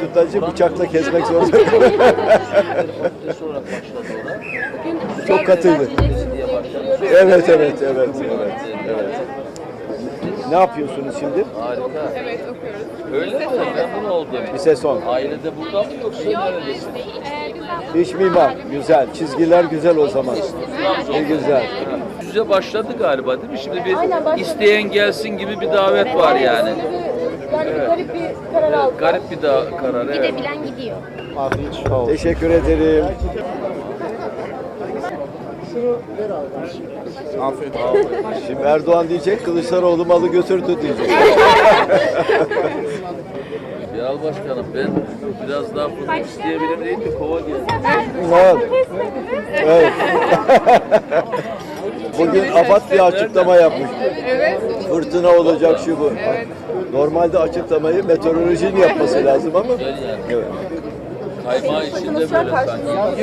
sütlacı bıçakla kesmek zorunda. Fakültesi olarak başladı ona. Çok katıydı. Evet, evet, evet, evet, evet. Ne yapıyorsunuz şimdi? Harika. Evet, okuyoruz. Öyle mi? Memnun oldum. Lise son. Ailede burada mı yoksa neredesin? İç mimar, güzel. Çizgiler güzel o zaman. Ne güzel. Yüze başladı galiba değil mi? Şimdi bir isteyen gelsin gibi bir davet var yani. Yani garip bir karar aldık. Garip bir karar, evet. Gidebilen gidiyor. Teşekkür ederim. Şimdi Erdoğan diyecek, Kılıçdaroğlu malı götürdü diyecek. Bilal Başkanım ben biraz daha fındık isteyebilir değil mi? Kova geldi. Evet. Evet. Bugün AFAD bir açıklama yapmış. Evet. Fırtına olacak şu bu. Normalde açıklamayı meteorolojinin yapması lazım ama. Güzel yani. Evet. Kaymağı içinde böyle sanki. Nasıl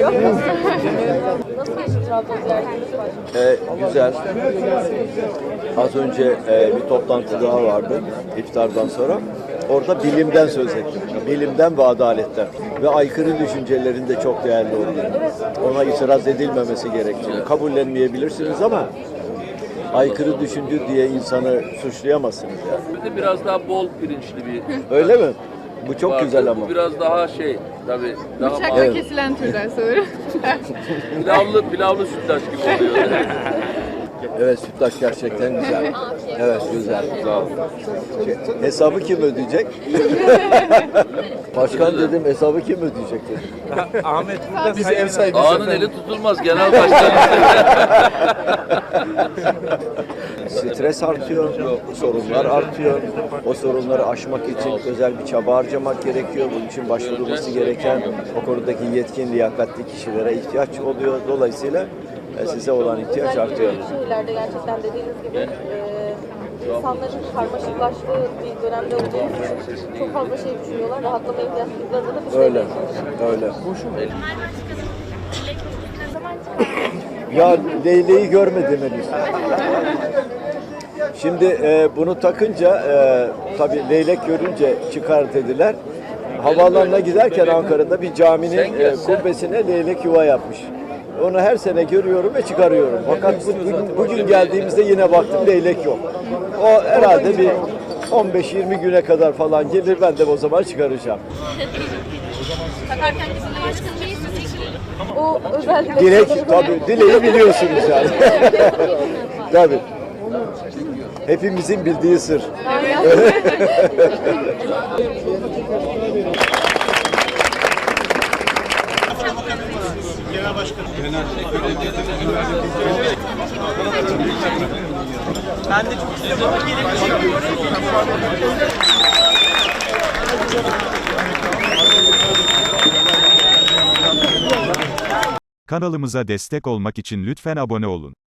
geçti Trabzon ziyaretiniz başkanım? Güzel. Az önce bir toplantı daha vardı iftardan sonra. Orada bilimden söz ettim. Bilimden ve adaletten. Ve aykırı düşüncelerin de çok değerli olduğunu. Ona itiraz edilmemesi gerektiğini. Kabullenmeyebilirsiniz ama aykırı düşündü diye insanı suçlayamazsınız yani. Bir de biraz daha bol pirinçli bir. Öyle mi? Bu çok vardı. güzel ama. Bu biraz daha tabii daha Bıçakla Evet. kesilen türden sanırım. pilavlı sütlaç gibi oluyor. Evet, sütlaç gerçekten güzel. Evet, güzel. Sağ olun. Hesabı kim ödeyecek? Başkan dedim, hesabı kim ödeyecek dedim. Ahmet burada bizi ev sahibi. Ağanın eli tutulmaz genel başkan. Stres artıyor, sorunlar artıyor. O sorunları aşmak için özel bir çaba harcamak gerekiyor. Bunun için başvurulması gereken o konudaki yetkin, liyakatli kişilere ihtiyaç oluyor. Dolayısıyla size olan ihtiyaç artıyor. Büyük şehirlerde gerçekten dediğiniz gibi insanların karmaşıklaştığı bir dönemde olduğu için çok fazla şey düşünüyorlar. Rahatlama ihtiyaçlarında da bir şey Öyle, öyle. Ya Leyleği görmedim henüz. Şimdi bunu takınca tabii leylek görünce çıkar dediler. Havaalanına giderken Ankara'da bir caminin kubbesine leylek yuva yapmış. Onu her sene görüyorum ve çıkarıyorum. Fakat bugün geldiğimizde yine baktım leylek yok. O herhalde bir 15-20 güne kadar falan gelir, ben de o zaman çıkaracağım. Takarken bizimle başkanım değilsiniz. O özel Dilek, tabii dileği biliyorsunuz yani. Tabii. Hepimizin bildiği sır. Ben de çok istiyorum ama gelip çekiyorum. Kanalımıza destek olmak için lütfen abone olun.